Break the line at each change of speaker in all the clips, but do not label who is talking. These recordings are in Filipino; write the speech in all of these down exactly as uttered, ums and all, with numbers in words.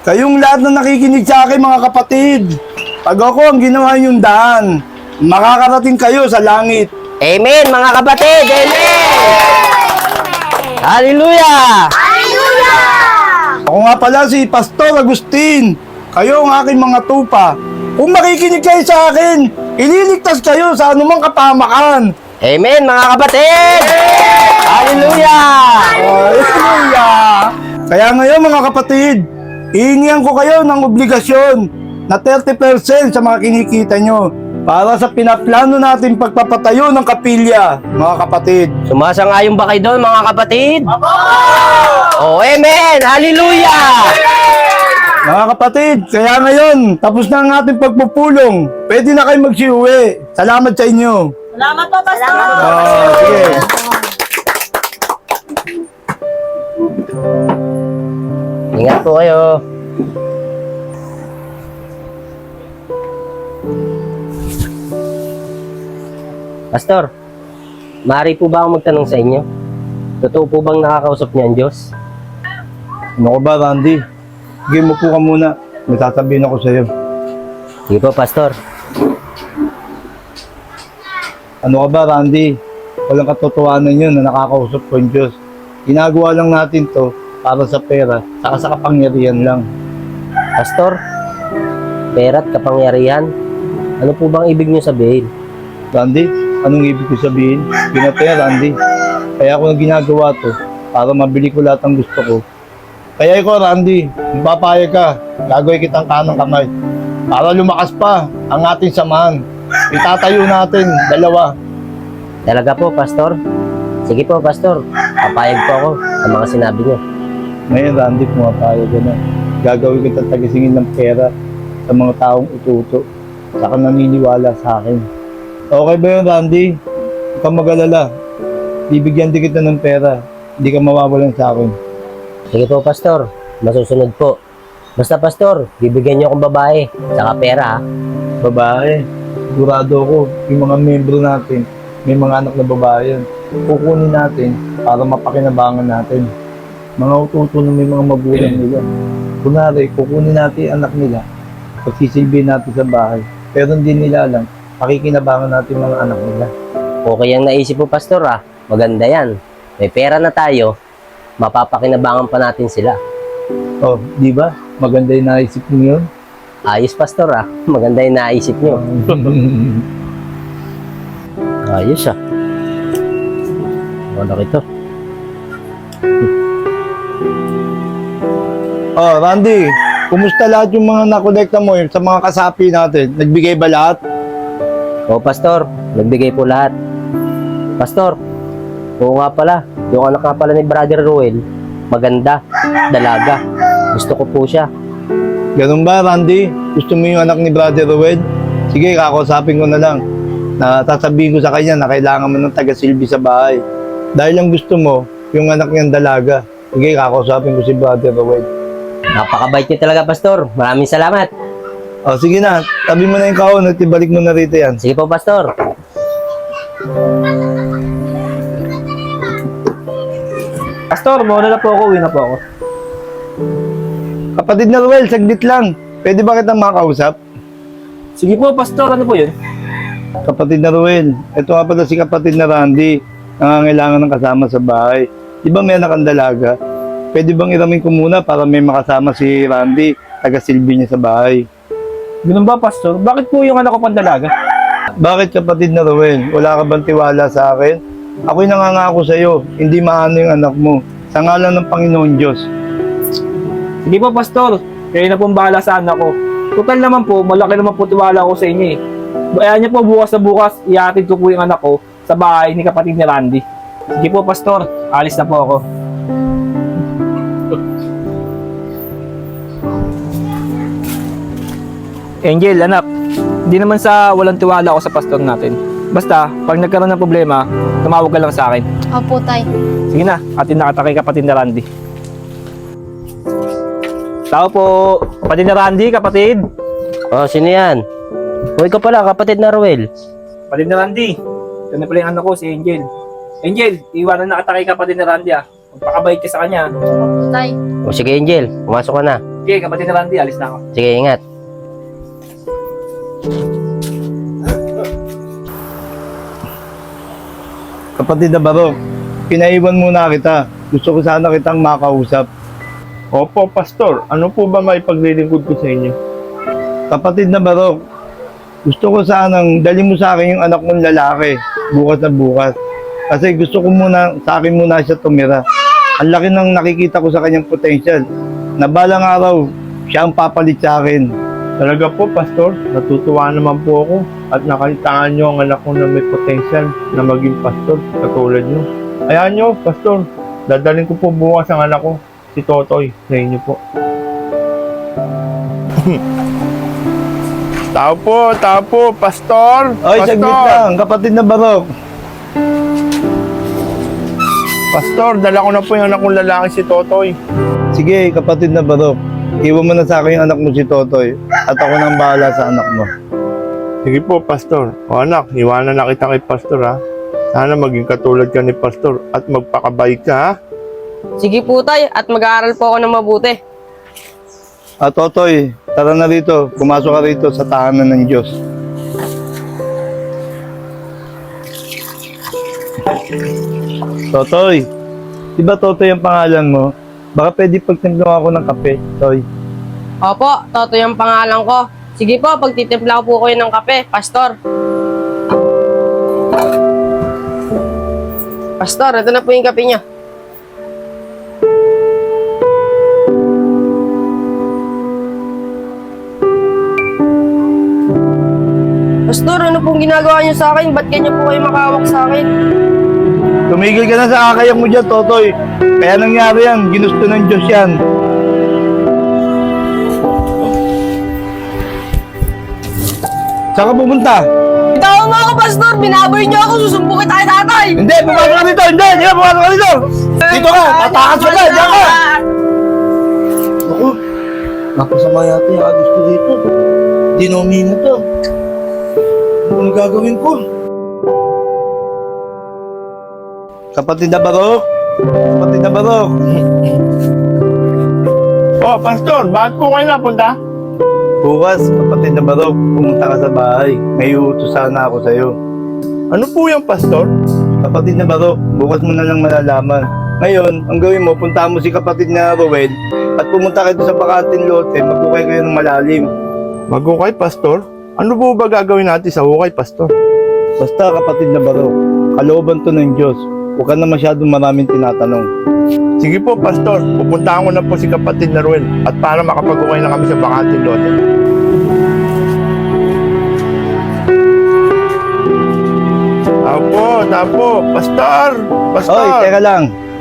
Kayong lahat na nakikinig sa akin mga kapatid, pag ako ang ginawa yung daan, makakarating kayo sa langit.
Amen, mga kapatid! Amen! Hallelujah!
Ako nga pala si Pastor Agustin. Kayo ang aking mga tupa. Kung makikinig kayo sa akin, ililigtas kayo sa anumang kapahamakan.
Amen, mga kapatid! Hallelujah!
Hallelujah! Kaya ngayon mga kapatid, hihingihan ko kayo ng obligasyon na thirty percent sa mga kinikita nyo para sa pinaplano natin pagpapatayo ng kapilya, mga kapatid.
Sumasangayon ba kayo doon, mga kapatid? Oh, amen! Hallelujah!
Mga kapatid, kaya ngayon, tapos na ang ating pagpupulong. Pwede na kayo magsiuwi. Salamat sa inyo.
Salamat po, Pastor.
Ah, sige.
Ingat po kayo. Pastor, maaari po ba akong magtanong sa inyo? Totoo po bang nakakausap niya ang Diyos?
Ano ka ba, Randy? Sige mo po ka muna. May sasabihin ako sa'yo.
Sige po, Pastor.
Ano ka ba, Randy? Walang katotohanan yun na nakakausap ko yung Diyos. Ginagawa lang natin to para sa pera, saka sa kapangyarihan lang.
Pastor, pera at kapangyarihan, ano po bang ibig niyo sabihin?
Randy, anong ibig ko sabihin? Pinatay, Randy. Kaya ako na ginagawa to para mabili ko lahat ng gusto ko. Kaya ikaw, Randy, kung papayag ka, gagawin kitang kanang kamay. Para lumakas pa ang ating samahan. Itatayo natin, dalawa.
Talaga po, Pastor? Sige po, Pastor. Papayag po ako sa mga sinabi niyo.
Ngayon, Randy, pumapayag ka na. Gagawin kitang tagisingin ng pera sa mga taong ututo. Saka naniniwala sa akin. Okay ba yun, Randy? Huwag kang mag-alala. Bibigyan din kita ng pera. Hindi ka mawawalan sa akin.
Sige po, Pastor. Masusunod po. Basta, Pastor, bibigyan niyo akong babae. Saka pera, ha?
Babae. Sigurado ako, yung mga membro natin, may mga anak na babae yan. Kukunin natin para mapakinabangan natin. Mga ututo na may mga magulang nila. Kunwari, kukunin natin ang anak nila. Pagsisilbihin natin sa bahay. Pero hindi nila alam, pakikinabangan natin mga anak nila.
Okay ang naisip po, Pastor, ha? Maganda yan. May pera na tayo, mapapakinabangan pa natin sila.
Oh, di ba? Maganda yung naisip niyo yun.
Ayos, Pastor, ha? Maganda yung naisip niyo. Ayos, ha? Malaki to.
Oh, Randy, kumusta lahat yung mga nakolekta mo sa mga kasapi natin? Nagbigay ba lahat?
Oo, Pastor. Nagbigay po lahat. Pastor, oo nga pala. Yung anak nga pala ni Brother Ruel, maganda, dalaga. Gusto ko po siya.
Ganun ba, Randy? Gusto mo yung anak ni Brother Rued? Sige, kakausapin ko na lang. Na sasabihin ko sa kanya na kailangan mo ng taga-silbi sa bahay. Dahil lang gusto mo, yung anak niyang dalaga. Sige, kakausapin ko si Brother Rued.
Napakabait niyo talaga, Pastor. Maraming salamat.
O, sige na. Tabi mo na yung kahon at ibalik mo na rito yan.
Sige po, Pastor.
Pastor, muna na po ako, uwi na po ako.
Kapatid na Ruel, saglit lang. Pwede ba kitang makausap?
Sige po, Pastor, ano po yun?
Kapatid na Ruel, ito nga pala si kapatid na Randy. Nangangailangan ng kasama sa bahay. Di ba may anak ang dalaga? Pwede bang iramin ko muna para may makasama si Randy, taga-silbi niya sa bahay?
Ganun ba, Pastor? Bakit po yung anak ko pandalaga?
Bakit kapatid na Ruel? Wala ka bang tiwala sa akin? Ako'y nangangako sa iyo, hindi maano yung anak mo. Sa ngalan ng Panginoon Diyos.
Sige po, Pastor. Kayo na pong bahala sa anak ko. Total naman po, malaki naman po tiwala ko sa inyo eh. Kaya niyo po bukas na bukas, ihatid ko po yung anak ko sa bahay ni kapatid ni Randy. Sige po, Pastor. Alis na po ako. Angel, anak. Hindi naman sa walang tiwala ako sa pastor natin. Basta, pag nagkaroon ng problema, tumawag ka lang sa akin.
Opo, Tay.
Sige na, atin nakata kay kapatid na Randy. Tao po, kapatid na Randy, kapatid.
Oh, sino yan? Uy ka pala, kapatid na Ruel.
Kapatid na Randy. Ito na pala yung anak ko, si Angel. Angel, iwanan na kita kay kapatid na Randy ah. Magpakabait ka sa kanya.
Opo, Tay.
O sige, Angel, pumasok ka na.
Okay, kapatid ni Randy, alis na ako.
Sige, ingat.
Kapatid na Barok, pinaiwan muna kita. Gusto ko sana kitang makausap.
Opo, Pastor. Ano po ba may paglilingkod ko sa inyo?
Kapatid na Barok, gusto ko sanang dali mo sa akin yung anak mong lalaki bukas na bukas. Kasi gusto ko muna, sa akin muna siya tumira. Ang laki ng nakikita ko sa kanyang potential. Na balang araw, siya ang papalit sa akin.
Talaga po, Pastor. Natutuwa naman po ako at nakalitaan nyo ang anak ko na may potential na maging pastor katulad nyo. Ayan nyo, Pastor. Dadalhin ko po bukas ang anak ko, si Totoy, sa inyo po. Tao po, tao po, Pastor!
Ay, saglit lang, kapatid na Barok.
Pastor, dala ko na po yung anak kong lalaki si Totoy.
Sige, kapatid na Barok. Iwan mo na sa akin yung anak mo si Totoy at ako nang bahala sa anak mo.
Sige po, Pastor. O anak, iwanan na kita kay Pastor ha. Sana maging katulad ka ni Pastor at magpakabait ka ha.
Sige po tay, at mag-aaral po ako ng mabuti.
At Totoy, tara na rito. Pumasok ka rito sa tahanan ng Diyos. Totoy, di ba Totoy ang pangalan mo? Baka pwede pagtimplang ako ng kape, Toy.
Opo, Totoy ang pangalan ko. Sige po, pagtitimpla ko po kayo ng kape, Pastor. Pastor, ito na po yung kape niya. Pastor, ano pong ginagawa niyo sa akin? Ba't ganyan po kayo makawak sa akin?
Tumigil ka na sa akayang mo dyan, Totoy. Kaya nangyari yan, ginusto ng Diyos yan. Saan ka pupunta?
Bitawan mo ako, Pastor! Binaboy niyo ako! Susumbukin tayo tatay!
Hindi, pumasok ka dito! Hindi, hindi, pumasok ka dito! Dito ka! Tatakas ka na! Diyan ka! Ako, napasama yata yung gusto dito. Dinomi na to. Ano gagawin ko? Kapatid na Barok! Kapatid na Barok!
Oh, Pastor, bakit po kayo napunta?
Bukas, kapatid na Barok, pumunta ka sa bahay. May uutos sana ako sa'yo.
Ano po yung Pastor?
Kapatid na Barok, bukas mo na lang malalaman. Ngayon, ang gawin mo, punta mo si kapatid na Rowel at pumunta kayo sa bakanting lote, magkukay kayo ng malalim.
Magukay, Pastor? Ano po ba gagawin natin sa hukay, Pastor?
Basta kapatid na Barok, kalooban to ng Diyos. Huwag ka na masyadong maraming tinatanong.
Sige po, Pastor. Pupuntahan ko na po si kapatid na Ruel at para makapag-ukay na kami sa bakanting lote. Tapo, tapo. Pastor! Pastor!
Oy, teka lang.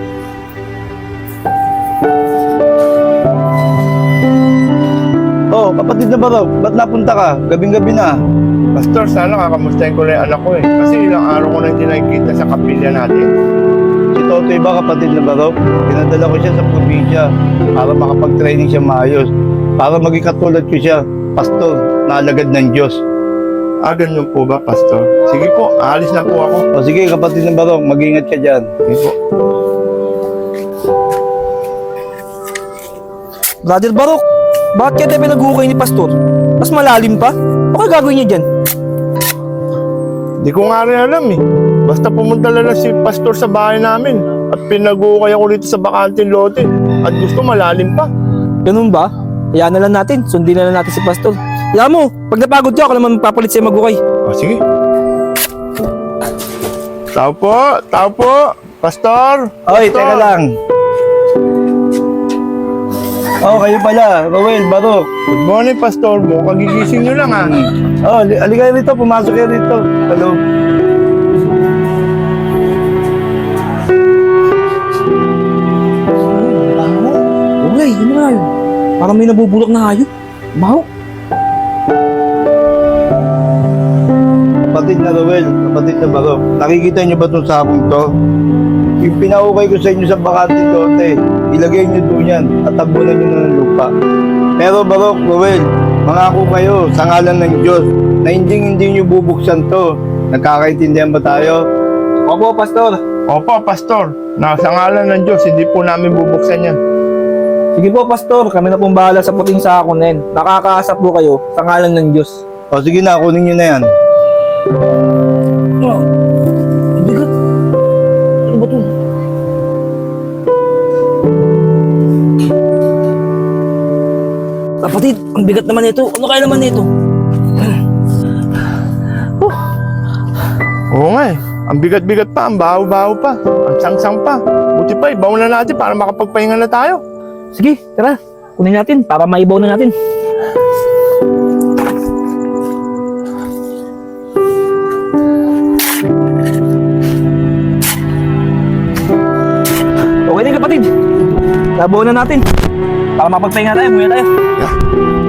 Oh, kapatid na Barok, ba't napunta ka? Gabing-gabi na.
Pastor, sana kakamustahin ko na yung anak ko eh. Kasi ilang araw ko na hindi nakikita sa kapilya natin.
Si Totoy ba kapatid na Barok? Pinadala ko siya sa probinsya para makapag-training siya maayos. Para maging katulad ko siya, pastor, na alagad ng Diyos.
Ah, ganyan po ba, Pastor? Sige po, aalis na po ako.
O sige, kapatid na Barok, mag-ingat ka dyan.
Sige po.
Brother Barok, bakit kaya tayo pinag-uukay ni Pastor? Mas malalim pa? Ano gagawin niya dyan?
Di ko nga rin alam eh. Basta pumunta lang na si Pastor sa bahay namin at pinag-uukay ako dito sa bakanting lote at gusto malalim pa.
Ganun ba? Hayaan na lang natin, sundin na lang natin si Pastor. Alam mo, pag napagod ka, ako naman magpapalit sa'yo mag-ukay.
O sige. Tao po, tao po. Pastor!
Oy,
Pastor!
teka lang. Oh, kayo pala, Rowel, Barok.
Good morning, Pastor. Mukhang kagigising nyo lang ha.
Oh, ali- ali kayo rito, pumasok kayo rito. Hello.
Baho? Okay, yun na yun. Parang may nabubulok na hayop. Baho?
Kapatid na Rowel, kapatid na Barok. Nakikita niyo ba itong sakong to? Yung pinaukay ko sa inyo sa bakanting lote, ilagay niyo doon yan at tabunan niyo na ng lupa. Pero Barok, Rowel, mangako kayo sa ngalan ng Diyos na hindi hindi niyo bubuksan to. Nagkakaintindihan ba tayo?
Opo, Pastor.
Opo, Pastor. Nasa ngalan ng Diyos, hindi po namin bubuksan yan.
Sige po, Pastor. Kami na pong bahala sa puting sako na yan. Nakakaasap po kayo sa ngalan ng Diyos.
O sige na, kunin nyo na yan.
Oh, bigat. Ano ba ito? Kapatid, ang bigat naman ito. Ano kaya naman ito?
Oo nga eh. Ang bigat-bigat pa, ang baho-baho pa, ang sang-sang pa. Buti pa, ibaw na natin para makapagpahinga na tayo.
Sige, tara. Kunin natin para maibaw na natin. Okay din kapatid. Sabaw na natin. Para makapagpahinga tayo, muna tayo.
Yeah.